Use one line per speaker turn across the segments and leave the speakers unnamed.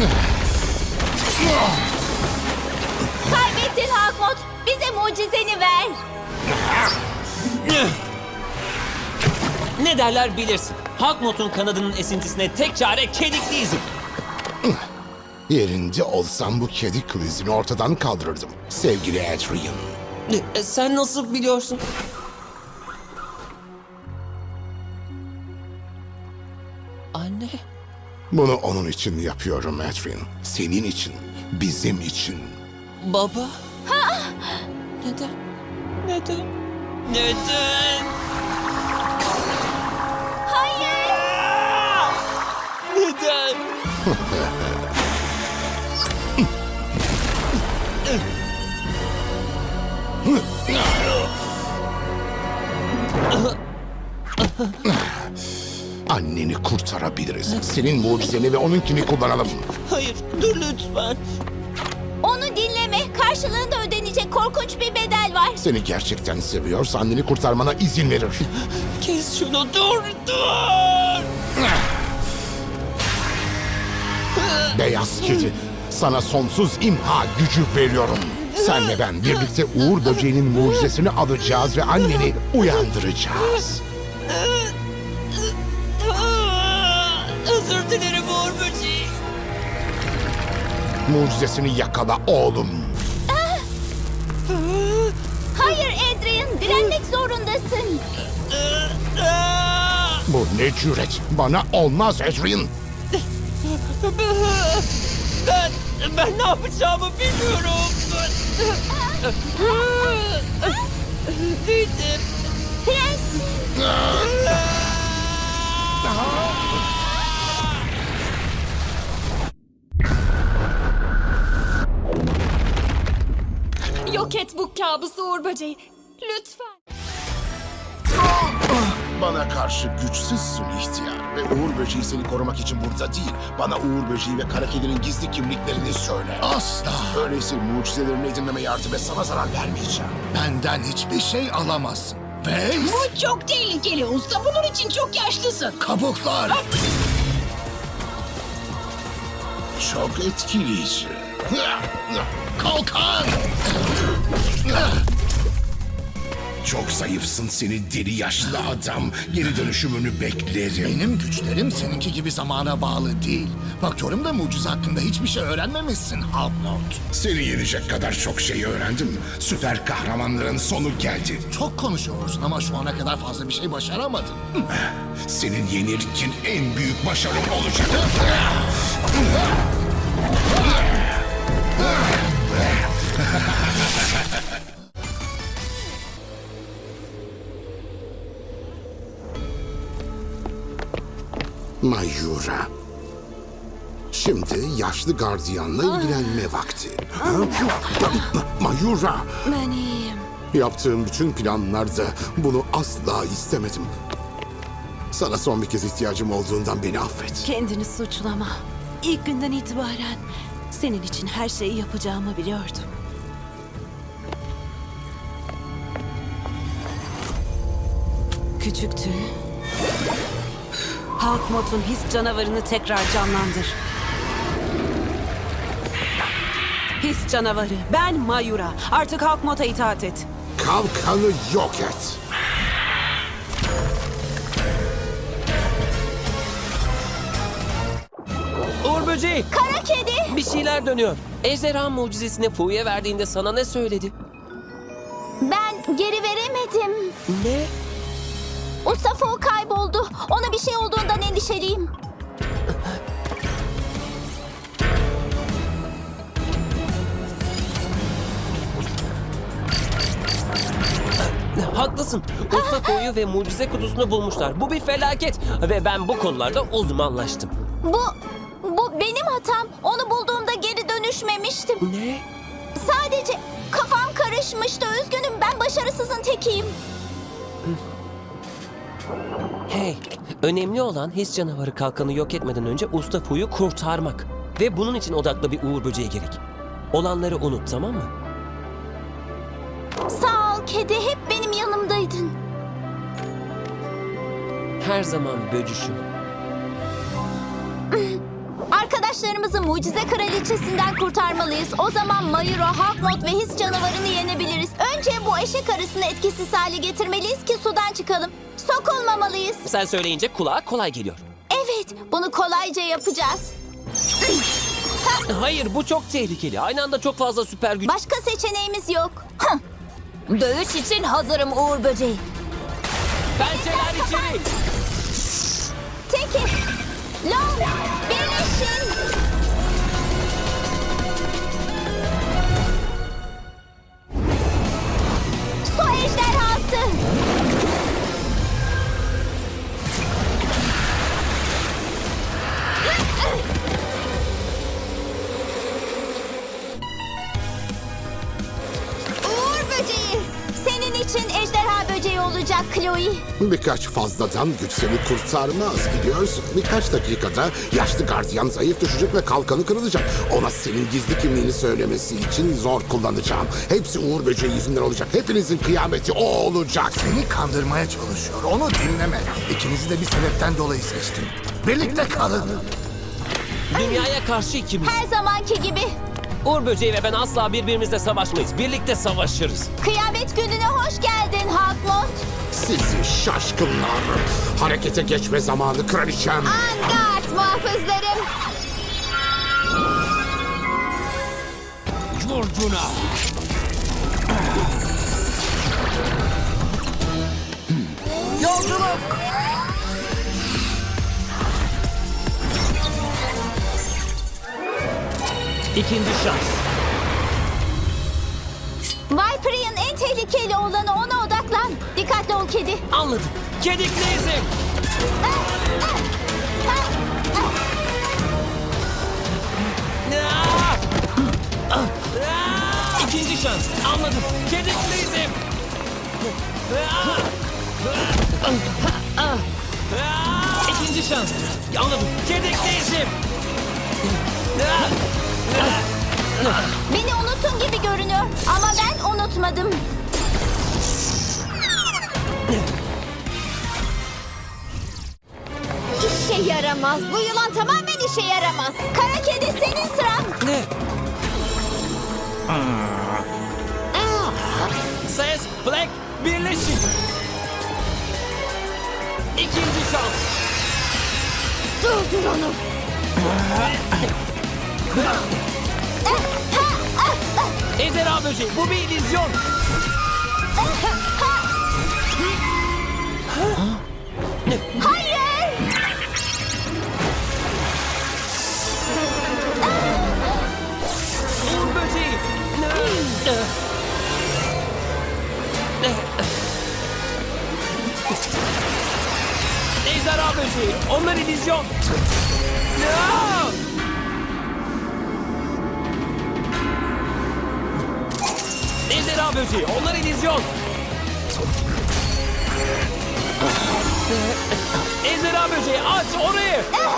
Kaybettin Hawkmoth. Bize mucizeni ver.
Ne derler bilirsin. Hawkmoth'un kanadının esintisine tek çare kedikli izim.
Yerinde olsam bu kedi krizini ortadan kaldırırdım. Sevgili Adrian.
Sen nasıl biliyorsun? Anne.
Bunu onun için yapıyorum Adrian. Senin için, bizim için.
Baba. Neden? Neden? Neden?
Hayır.
Neden?
Anneni kurtarabiliriz. Senin mucizeni ve onunkini kullanalım.
Hayır, dur lütfen.
Onu dinleme. Karşılığında ödenecek korkunç bir bedel var.
Seni gerçekten seviyorsa anneni kurtarmana izin verir.
Kes şunu, dur!
Beyaz kedi, sana sonsuz imha gücü veriyorum. Sen ve ben birlikte Uğur Böceği'nin mucizesini alacağız ve anneni uyandıracağız.
Özür dilerim Uğur Böceği.
Mucizesini yakala oğlum.
Hayır Adrian. Direnmek zorundasın.
Bu ne cüret? Bana olmaz Adrian.
Ben ne yapacağımı bilmiyorum. Dedim.
Prens.
Yok et bu kabusu Uğur Böceği. Lütfen.
Bana karşı güçsüzsün ihtiyar ve Uğur Böceği seni korumak için burada değil. Bana Uğur Böceği ve Kara Kedi'nin gizli kimliklerini söyle. Asla. Öyleyse mucizelerini edinmeme yardım et, sana zarar vermeyeceğim.
Benden hiçbir şey alamazsın. Ve
Bu çok tehlikeli usta. Bunun için çok yaşlısın.
kabuklar.
Çok etkileyici.
Kalkan.
Çok zayıfsın seni deli yaşlı adam. Geri dönüşümünü beklerim.
Benim güçlerim seninki gibi zamana bağlı değil. Bakıyorum da mucize hakkında hiçbir şey öğrenmemişsin Hawkmoth.
Seni yenecek kadar çok şey öğrendim. Süper kahramanların sonu geldi.
Çok konuşuyorsun ama şu ana kadar fazla bir şey başaramadın.
Senin yenirken en büyük başarım olacak. Mayura. Şimdi yaşlı gardiyanla ilgilenme vakti. Mayura.
Ben iyiyim.
Yaptığım bütün planlarda bunu asla istemedim. Sana son bir kez ihtiyacım olduğundan beni affet.
Kendini suçlama. İlk günden itibaren senin için her şeyi yapacağımı biliyordum. Küçük tüy. Hawkmoth'un his canavarını tekrar canlandır. His canavarı. Ben Mayura. Artık Hawkmoth'a itaat et.
Kalkanı yok et.
Uğur Böceği,
Kara kedi.
bir şeyler dönüyor. Ejderha mucizesini Fu'ya verdiğinde sana ne söyledi?
Ben geri veremedim.
Ne?
Usta Fu kayboldu. Ona bir şey olduğundan endişeliyim.
Haklısın. Usta Fu'yu ve mucize kutusunu bulmuşlar. Bu bir felaket. Ve ben bu konularda uzmanlaştım.
Bu benim hatam. Onu bulduğumda geri dönüşmemiştim.
Ne?
Sadece kafam karışmıştı. Üzgünüm, ben başarısızın tekiyim.
Hey, önemli olan his canavarı kalkanı yok etmeden önce Usta Fu'yu kurtarmak. Ve bunun için odaklı bir Uğur Böceği gerek. Olanları unut, tamam mı?
Sağ ol kedi, hep benim yanımdaydın.
Her zaman böcüşüm.
Arkadaş Arkadaşlarımızı mucize kraliçesinden kurtarmalıyız. O zaman Mayuro, Hawkmoth ve his canavarını yenebiliriz. Önce bu eşek arısını etkisiz hale getirmeliyiz ki sudan çıkalım. Sokulmamalıyız.
Sen söyleyince kulağa kolay geliyor.
Evet, bunu kolayca yapacağız.
Hayır, bu çok tehlikeli. Aynı anda çok fazla süper güç...
Başka seçeneğimiz yok. Dövüş için hazırım Uğur Böceği.
Pençeler içeri!
Teki, Long, birleşin. Su ejderhası. Uğur Böceği. Senin için ejderha böceği olacak Chloe.
Birkaç fazladan güç seni kurtarmaz biliyorsun. Birkaç dakikada yaşlı gardiyan zayıf düşecek ve kalkanı kırılacak. Ona senin gizli kimliğini söylemesi için zor kullanacağım. Hepsi Uğur Böceği yüzünden olacak. Hepinizin kıyameti o olacak.
Seni kandırmaya çalışıyor. Onu dinleme. İkinizi de bir sebepten dolayı seçtim. Birlikte kalın.
Dünyaya karşı ikimiz.
Her zamanki gibi.
Uğur Böceği ve ben asla birbirimizle savaşmayız. Birlikte savaşırız.
Kıyamet gününe hoş geldin Hawkmoth.
Sizi şaşkınlar. Harekete geçme zamanı kraliçem.
Angard muhafızlarım.
Vurcuna!
Yolculuk.
İkinci şans.
Viper'ın en tehlikeli olanı, ona odaklan. Dikkatli ol kedi.
Anladım. Kedikli izim. İkinci şans. Anladım. Kedikli izim. İkinci şans. Anladım. Kedikli izim.
Beni unuttun gibi görünüyor ama ben unutmadım. İşe yaramaz. Bu yılan tamamen işe yaramaz. Kara kedi, senin sıran.
Ne? Ses, Black, birleşin. İkinci şans.
Durdur onu.
Ejderha böceği, bu bir illüzyon.
Hayır.
Uğur böceği. Ejderha böceği, onlar illüzyon. Ejderha böceği, onlar illüzyon. Ejderha böceği, aç orayı.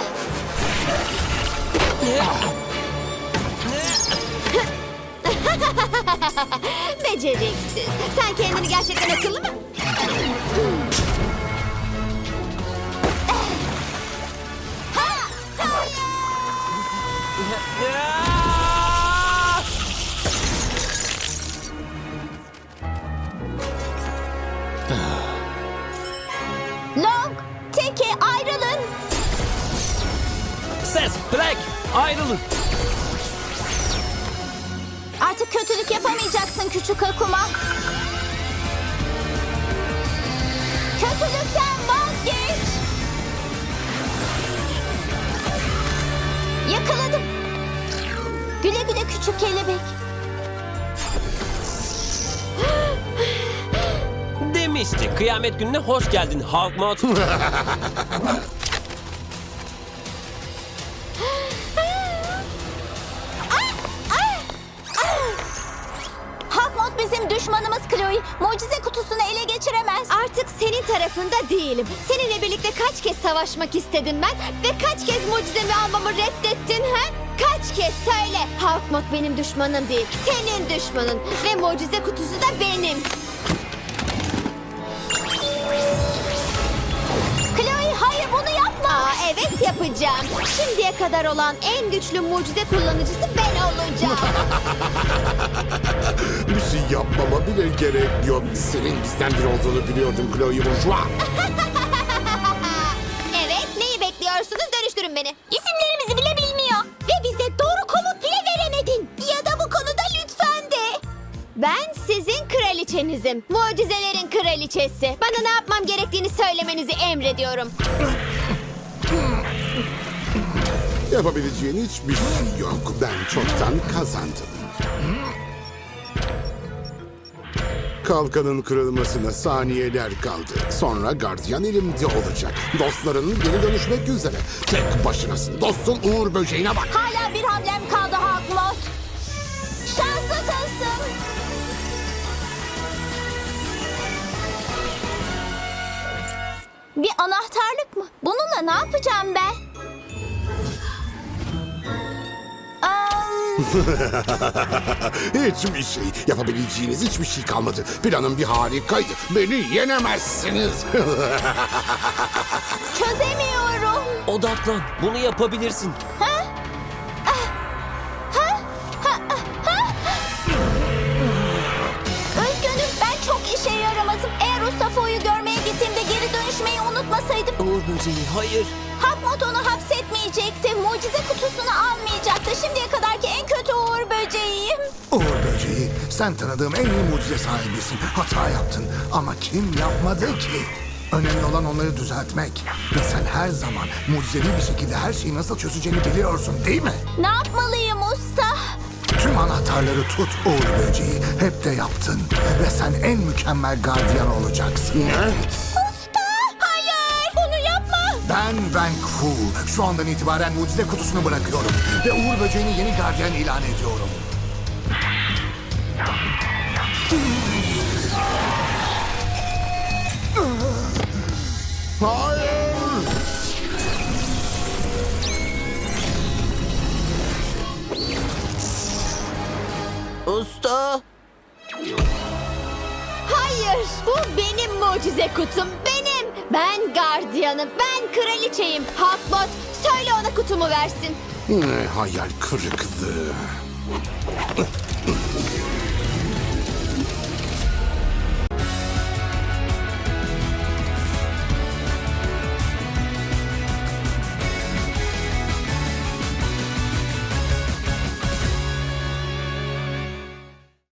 Beceriksiz. Sen kendini gerçekten akıllı mı? Long, Teke ayrılın.
Ses, Black, ayrılın.
Artık kötülük yapamayacaksın küçük Akuma. Kötülükten vazgeç. Yakaladım. Güle güle küçük kelebek.
Demişti, kıyamet gününe hoş geldin Hawkmoth.
Hawkmoth bizim düşmanımız Chloe. Mucize kutusunu ele geçiremez. Artık senin tarafında değilim. Seninle birlikte kaç kez savaşmak istedim ben ve kaç kez mucizemi almamı reddettin ha? Kaç kez söyle. Hawkmoth benim düşmanım değil. Senin düşmanın ve mucize kutusu da benim. Chloe hayır bunu yapma. Evet yapacağım. Şimdiye kadar olan en güçlü mucize kullanıcısı ben olacağım.
Bir şey yapmama bile gerek yok. Senin bizden biri olduğunu biliyordum Chloe Bourgeois.
Evet, neyi bekliyorsunuz? Dönüştürün beni. İsimlerimizi bile bilmiyor. Ve bize doğru komut bile veremedin. Ya da bu konuda lütfen de. Ben sizin kraliçenizim. Mucizelerin kraliçesi. Bana ne yapmam gerektiğini söylemenizi emrediyorum.
Yapabileceğin hiçbir şey yok. Ben çoktan kazandım. Kalkanın kırılmasına saniyeler kaldı. Sonra gardiyan elimde olacak. Dostların geri dönüşmek üzere. Tek başınasın. Dostun Uğur Böceğine bak.
Hala bir hamlem kaldı Hawkmoth. Şanslısın. Bir anahtarlık mı? Bununla ne yapacağım ben?
Hiçbir şey. Yapabileceğiniz hiçbir şey kalmadı. Planım bir harikaydı. Beni yenemezsiniz.
Çözemiyorum.
Odaklan. Bunu yapabilirsin.
Üzgünüm, ben çok işe yaramazım. Eğer Ustafo'yu görmeye gittiğimde geri dönüşmeyi unutmasaydım...
Uğur böceği hayır.
Hawkmoth onu hapsetmeyecekti. Mucize kutusunu almayacaktı. Şimdiye kadarki en kötü Uğur böceğiyim.
Uğur Böceği, sen tanıdığım en iyi mucize sahibisin. Hata yaptın ama kim yapmadı ki? Önemli olan onları düzeltmek. Ve sen her zaman mucizevi bir şekilde her şeyi nasıl çözeceğini biliyorsun değil mi?
Ne yapmalıyım usta?
Tüm anahtarları tut Uğur Böceği. Hep de yaptın. Ve sen en mükemmel gardiyan olacaksın.
Usta! Hayır! Bunu yapma!
Ben Van Fu. Şu andan itibaren mucize kutusunu bırakıyorum. Ve Uğur Böceği'ni yeni gardiyan ilan ediyorum.
Hayır.
Usta.
Hayır! Bu benim mucize kutum. Benim! Ben gardiyanım. Ben kraliçeyim. Hawkmoth, söyle ona kutumu versin.
Ne hayal kırıklığı.